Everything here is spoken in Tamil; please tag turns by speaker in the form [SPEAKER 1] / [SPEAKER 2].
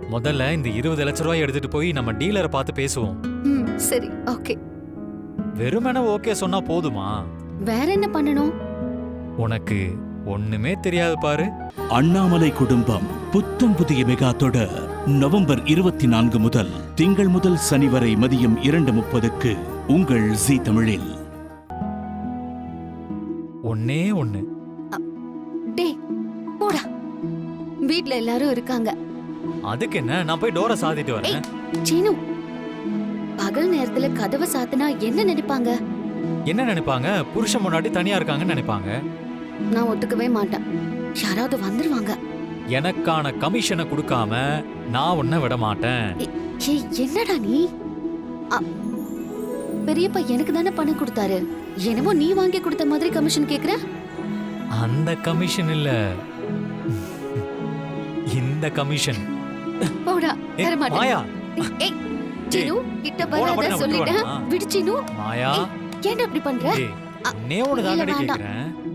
[SPEAKER 1] முதல்ல இந்த 20 லட்ச ரூபாய் எடுத்துட்டு போய் நம்ம டீலரை பார்த்து பேசுவோம்.
[SPEAKER 2] சரி, ஓகே.
[SPEAKER 1] வெறுமனே ஓகே சொன்னா போதுமா?
[SPEAKER 2] வேற என்ன பண்ணணும்?
[SPEAKER 1] உனக்கு ஒண்ணுமே தெரியாது பாரு.
[SPEAKER 3] அண்ணாமலை குடும்பம் புத்தம் புதிய மெகா தொடர் நவம்பர் 24 முதல் திங்கள் முதல் சனி வரை மதியம் 2:30க்கு உங்கள் ஜீ தமிழில்.
[SPEAKER 1] ஒண்ணே ஒண்ணு.
[SPEAKER 2] டே போடா, வீட்ல எல்லாரும் இருக்காங்க.
[SPEAKER 1] அதுக்கு என்ன, நான் போய் டோரை சாத்திட்டு வரேன்.
[SPEAKER 2] சீனு, பகல் நேரத்துல கதவை சாத்தினா என்ன நினைப்பாங்க?
[SPEAKER 1] என்ன நினைப்பாங்க? புருஷன் முன்னாடி தனியா இருக்காங்கன்னு நினைப்பாங்க.
[SPEAKER 2] நான் ஒத்துக்கவே மாட்டேன். யாராவது வந்துருவாங்க.
[SPEAKER 1] எனக்கான கமிஷனை கொடுக்காம நான் உன்னை விட மாட்டேன்.
[SPEAKER 2] என்னடா நீ? பெரியப்பா எனக்கு தானே பணம் கொடுத்தாரு. என்னமோ நீ வாங்கி கொடுத்த மாதிரி கமிஷன் கேக்குற?
[SPEAKER 1] அந்த கமிஷன் இல்ல, இந்த கமிஷன்.
[SPEAKER 2] போடா, தர மாட்டேன்.
[SPEAKER 1] மாயா,
[SPEAKER 2] ஏய் சீனு, கிட்ட வராத சொல்லிட்டேன். விடு சீனு.
[SPEAKER 1] மாயா,
[SPEAKER 2] ஏன்டா இப்படி பண்ற?
[SPEAKER 1] நே ஒன்னு தான் கேக்குறேன்.